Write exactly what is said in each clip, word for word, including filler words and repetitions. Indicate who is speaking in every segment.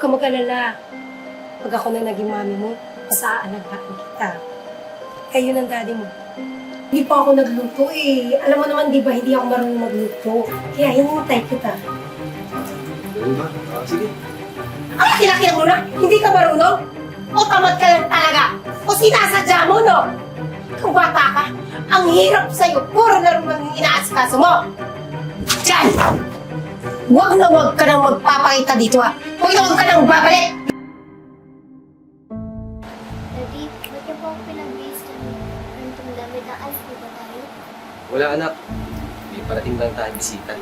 Speaker 1: ka mag-alala. Pag ako na naging mami mo, mas aalagaan kita. Kayo ng daddy mo. Hindi pa ako nagluto eh. Alam mo naman, di ba, hindi ako marunong magluto. Kaya hinintay kita.
Speaker 2: Ganun ba? Ah, sige.
Speaker 1: Ay, kinakilak mo na! Hindi ka marunong? O tamad ka lang talaga? O sinasadya mo, no? Kung bata ka, ang hirap sa'yo. Puro na rin ang inaasikaso mo. Diyan! Huwag na huwag ka nang magpapakita dito, ha? Huwag na huwag ka nang babalik!
Speaker 3: Daddy, ba't niyo po ako pinag-base ng ganitong damit? Aalis po ba tayo?
Speaker 2: Wala anak. May parating lang tayong bisita.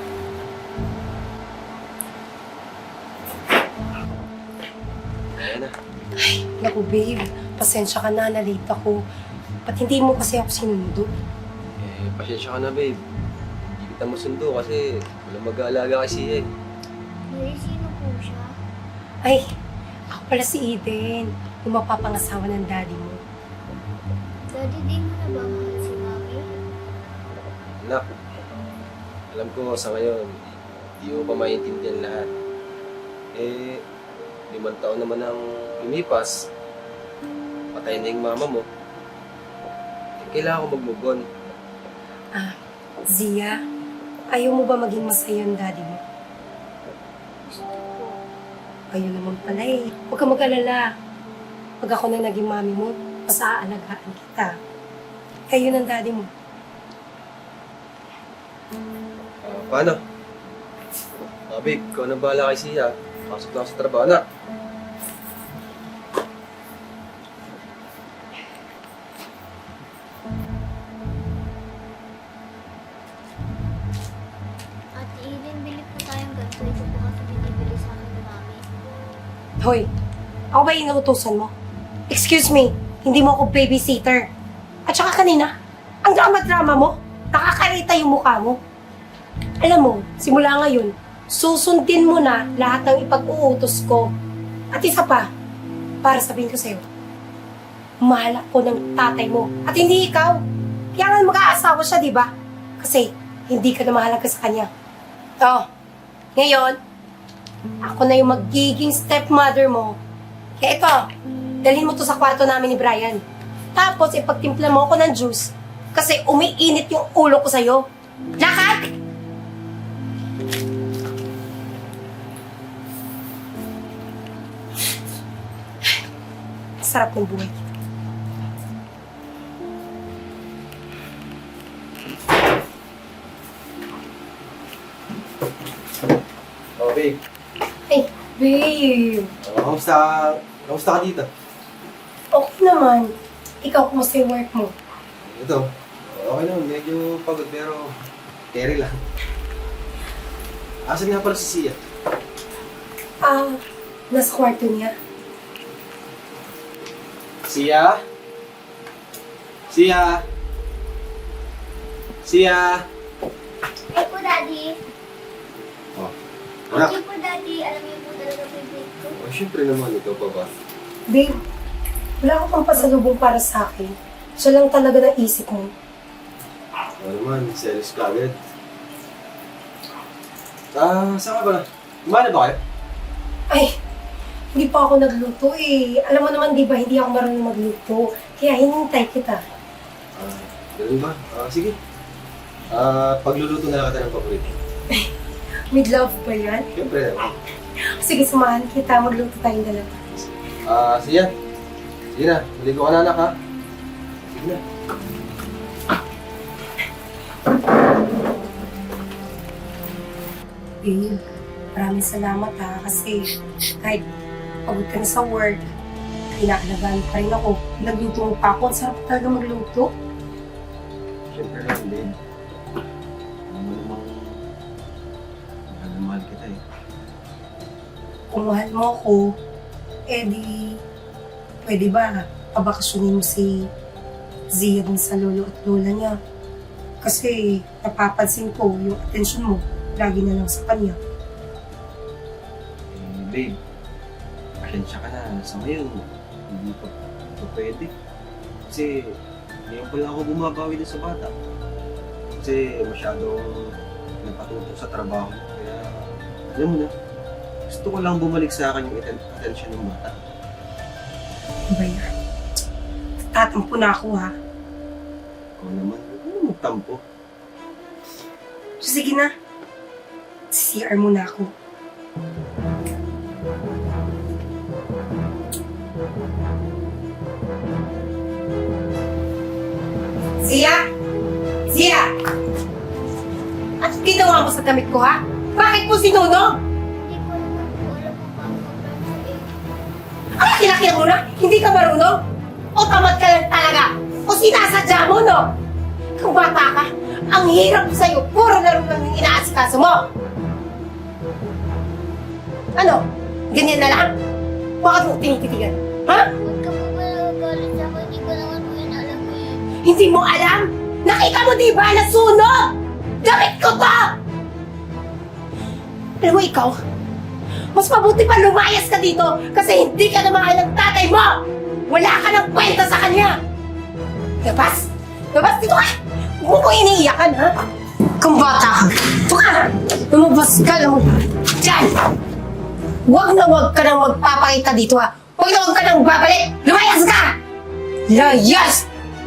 Speaker 2: Ayan na.
Speaker 1: Ay, naku babe. Pasensya ka na, nalate ako. Ba't hindi mo kasi ako sinundo?
Speaker 2: Eh, pasensya ka na babe. Hindi kita masundo kasi walang mag-aalaga kasi eh.
Speaker 3: Daddy, sino po siya?
Speaker 1: Ay, ako pala si Eden. Yung mapapangasawa ng daddy mo.
Speaker 3: Daddy, di mo na ba mahal si Mami?
Speaker 2: Anak, alam ko sa ngayon, hindi mo pa maintindihan lahat. Eh, limang taon naman ang lumipas. Patay na yung mama mo. Eh, kailangan ko mag-move on.
Speaker 1: Ah, Zia, ayaw mo ba maging masaya yung daddy mo?
Speaker 3: Gusto ko.
Speaker 1: Ayun naman pala eh. Huwag ka mag-alala. Pag ako na naging mami mo, mas aalagaan kita. Kayo ng daddy mo.
Speaker 2: Ah, paano? Ah, babe, ikaw na bahala kay Sia. Pasok na ako sa trabaho na.
Speaker 3: Ate Eden, bili po tayong ganito. Ito po kasi binibili sa akin ni Mami.
Speaker 1: Hoy, ako ba inuutosan mo? Excuse me, hindi mo ako babysitter. At saka kanina, ang drama-drama mo, nakakarita yung mukha mo. Alam mo, simula ngayon, susundin mo na lahat ng ipag-uutos ko. At isa pa, para sabihin ko sa'yo, mahal ako ng tatay mo. At hindi ikaw. Kaya nga mag-aasawa siya, di ba? Kasi hindi ka na mahalaga sa kanya. Oh, ngayon, ako na yung magiging stepmother mo. Kaya ito, dalhin mo to sa kwarto namin ni Brian. Tapos, ipagtimpla mo ako ng juice kasi umiinit yung ulo ko sa'yo. Lakad! Sarap ng buhay.
Speaker 2: Oh, babe.
Speaker 1: Ay, babe.
Speaker 2: Uh, kamusta, kamusta ka dito?
Speaker 1: Okay naman. Ikaw, kumusta yung work mo?
Speaker 2: Ito, okay naman. Medyo pagod pero carry lang. Asan nga pala si Sia?
Speaker 1: Ah, nasa kwarto niya.
Speaker 2: Sia? Sia? Sia?
Speaker 3: Ay po, Daddy.
Speaker 2: Oh, anak.
Speaker 3: Okay po, Daddy. Alam niyo po talaga favorite ko.
Speaker 2: Oh, syempre naman, ikaw pa ba?
Speaker 1: Babe, wala ka pang pasalubong para sa akin. Siya lang talaga na isip mo.
Speaker 2: Ano naman, selos ka agad. Ah, saan ka ba na? Kumana ba kayo?
Speaker 1: Ay, hindi pa ako nagluto eh. Alam mo naman, di ba, hindi ako marunong magluto. Kaya hinintay kita.
Speaker 2: Ah, ganun ba? Ah, sige. Ah, pagluluto na lang kita ng paborito.
Speaker 1: With love ba yan?
Speaker 2: Siyempre naman.
Speaker 1: Sige, samahan kita. Magluto tayong dalawa.
Speaker 2: Ah, Sia. Sige na, maligo ka na anak ha. Sige na.
Speaker 1: Babe, maraming salamat ha. Kasi kahit pagod ka na sa work, inaalagaan pa rin ako. Nagluto mo pa ako. Ang sarap talaga magluto.
Speaker 2: Siyempre naman, babe. Ano mo namang mahal na mahal kita eh.
Speaker 1: Kung mahal mo ako, eh di, pwede ba pabakasyonin mo si Zia dun sa lolo at lola niya? Kasi napapansin ko yung atensyon mo, lagi na lang sa kanya.
Speaker 2: Eh, babe. Pasensya ka na. Sa ngayon, hindi pa, pa pwede. Kasi, ngayon pala ako bumabawi din sa bata. Kasi masyadong napatutok sa trabaho. Kaya, alam mo na, Gusto ko lang bumalik sa akin yung atten- attention ng bata.
Speaker 1: Ano ba yan? Tatampo na ako ha.
Speaker 2: Ikaw naman, huwag mo magtampo.
Speaker 1: So, sige na. C R muna ako. Zia? Zia! At ginawa mo sa damit ko, ha? Bakit mo sinunog?
Speaker 3: Hindi ko naman po alam kung paano mag-graduate.
Speaker 1: Ay, kinakilak mo na? Hindi ka marunong? O tamad ka lang talaga? O sinasadya mo, no? Kung bata ka, ang hirap sa'yo, puro laro lang yung inaasikaso mo. Ano? Ganyan na lang? Bakit mo tinititigan? Ha?
Speaker 3: Huwag ka po ba nagagalit sa akin? Hindi ko naman po yun alam eh.
Speaker 1: Hindi mo alam? Nakita mo di ba na sunog? Damit ko to! Alam mo ikaw, mas mabuti pa lumayas ka dito kasi hindi ka na mahal ng tatay mo! Wala ka ng kwenta sa kanya! Labas! Labas dito ka! Huwag mo ko iniiyakan, ha? Kung bata ka, ito ka! Lumabas ka lang! Diyan! Huwag na huwag ka nang magpapakita dito, ha? Huwag na huwag ka nang babalik! Lumayas ka! Layas!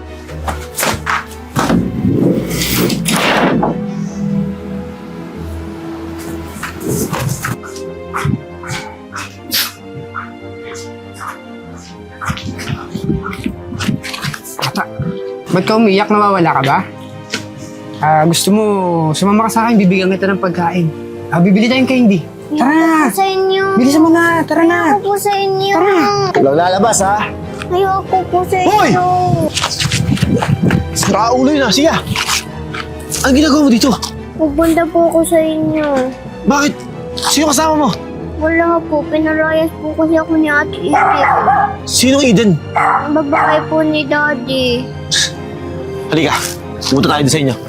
Speaker 4: Ba't ka umiyak? Nawawala ka ba? Ah, gusto mo, sumama ka sa akin, bibigyan kita ng pagkain. Ah, bibili tayong candy. Tara na!
Speaker 3: Ayoko po sa inyo.
Speaker 4: Bilisan mo na, tara na!
Speaker 3: Ayoko po sa inyo.
Speaker 4: Tara!
Speaker 5: Walang lalabas, ha?
Speaker 3: Ayoko po sa
Speaker 5: Hoy!
Speaker 3: inyo.
Speaker 5: Sira ulo yun, ha? Sige, ah. Ano ginagawa mo dito?
Speaker 3: Pupunta po ako sa inyo.
Speaker 5: Bakit? Sino kasama mo?
Speaker 3: Wala po, pinalayas po kasi ako ni Ate Eden.
Speaker 5: Sinong Eden?
Speaker 3: Ang babae po ni Daddy.
Speaker 5: Halika, pumunta tayo doon sa inyo.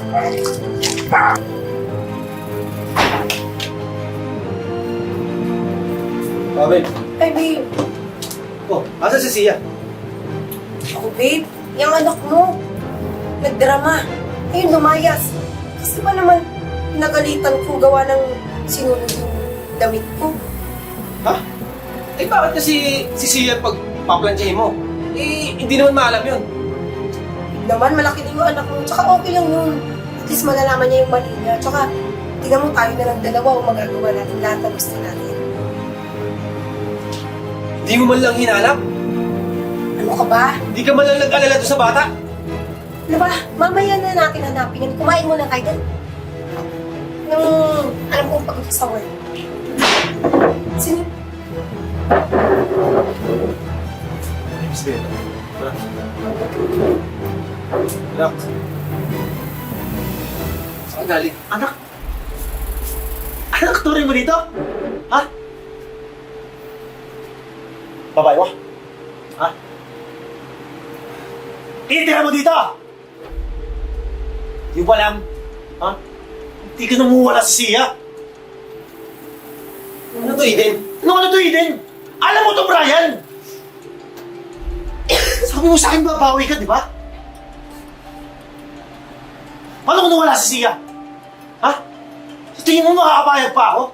Speaker 2: Oh, babe.
Speaker 1: Ay, babe.
Speaker 2: Oh, asa si Sia?
Speaker 1: Ako, babe. Yung anak mo. Nagdrama. Ayun, lumayas. Kasi ba naman, nagalitan ko gawa ng sinunod yung damit ko.
Speaker 2: Ha? Eh, bakit kasi si Sia pag paplansyahin mo? Eh, hindi naman maalam yun.
Speaker 1: Naman, malaki din yung anak mo. Tsaka okay lang yun. At least malalaman niya yung mali niya. Tsaka, tingnan mo tayo na lang dalawa o magagawa natin lahat ng gusto natin.
Speaker 2: Hindi mo man lang hinanap?
Speaker 1: Ano ka ba?
Speaker 2: Hindi ka man lang nag-alala doon sa bata?
Speaker 1: Ano ba? Mamaya na natin hanapin yan. Kumain muna kayo dun. Nung alam kong pagod sa work. Sino?
Speaker 2: Miss Bella. Ha? Anak. Saan galing?
Speaker 5: Anak? Anak, tuloy mo dito? Ha? Babae mo? Ha? Titira mo dito! Di ba lang? Ha? Hindi ka namuwala sa siya.
Speaker 2: Ano to, Eden?
Speaker 5: Ano ano to, Eden? Alam mo to, Brian! Sabi mo sa akin babawi ka, di ba? Paano kung nawala si Sia? Ha? Sa tingin mo makakapayag pa ako?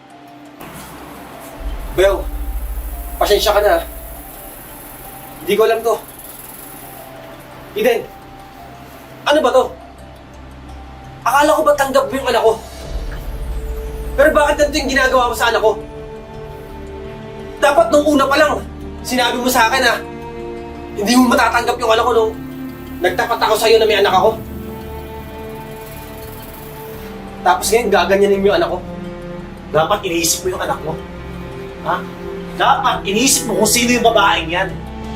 Speaker 2: Bel, pasensya ka na. Hindi ko alam to. Eden, ano ba to? Akala ko ba tanggap mo yung anak ko? Pero bakit ganito yung ginagawa mo sa anak ko? Dapat nung una pa lang, sinabi mo sa akin na hindi mo matatanggap yung anak ko nung nagtapat ako sa'yo na may anak ako. Tapos ngayon, gaganyanin mo yung anak ko.
Speaker 5: Dapat iniisip mo yung anak mo. Ha? Dapat iniisip mo kung sino yung babaeng yan.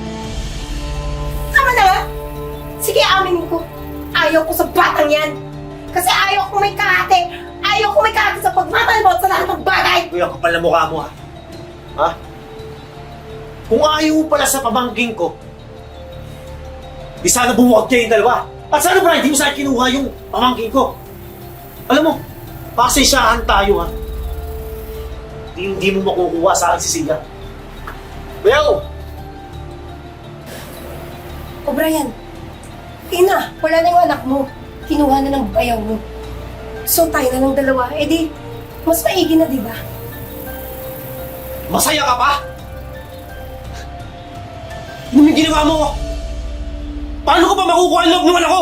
Speaker 1: Tama na nga! Sige, aminin ko. Ayaw ko sa batang yan. Kasi ayaw ko may kahate. Ayaw ko may kahate sa pagmamalbot sa lahat ng bagay.
Speaker 5: Kuya, kapal na mukha mo, ha? Ha? Kung ayaw mo pala sa pamangking ko, di sana bumuwag kayo yung dalawa. At sana, Brian, di mo sa akin kinuha yung pamangking ko. Alam mo, pasensyahan tayo, ha? Hindi, hindi mo makukuha sa akin si Sia. Well,
Speaker 1: O Brian, ina, wala na yung anak mo. Kinuha na ng bayaw mo. So tayo na ng dalawa. Eh di, mas maigi na, di ba?
Speaker 5: Masaya ka pa? Ano yung ginawa mo? Paano ko pa makukuha ang loob ng anak ko?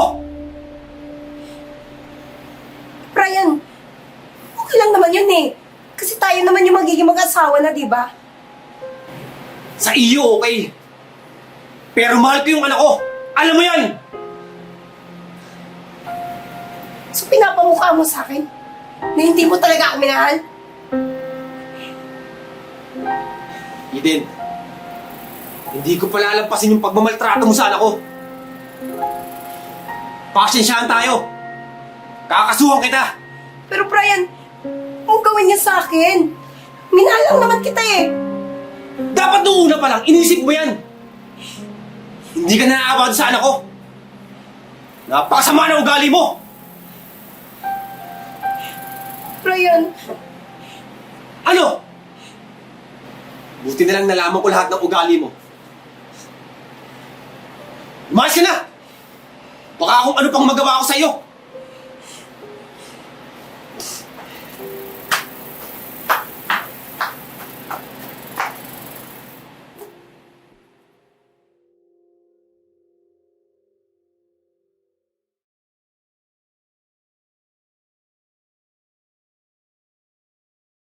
Speaker 1: Brian, okay lang naman yun eh. Kasi tayo naman yung magiging mag-asawa na, di ba?
Speaker 5: Sa iyo, okay. Pero mahal ko yung anak ko. Alam mo yan!
Speaker 1: So pinapamukha mo sa akin na hindi mo talaga ako minahal?
Speaker 5: Eden, hindi ko palalampasin yung pagmamaltrato mo sa anak ko. Pasensyahan tayo. Kakasuhan kita.
Speaker 1: Pero Brian, huwag gawin niya sa akin. Minahal lang naman kita eh.
Speaker 5: Dapat nung una pa lang, inisip mo yan. Hindi ka naaawa sa anak ko. Napakasama ng ugali mo.
Speaker 1: Brian,
Speaker 5: Ano? Buti na lang nalaman ko lahat ng ugali mo. Umayos ka na! Baka kung ano pang magawa ko sa'yo.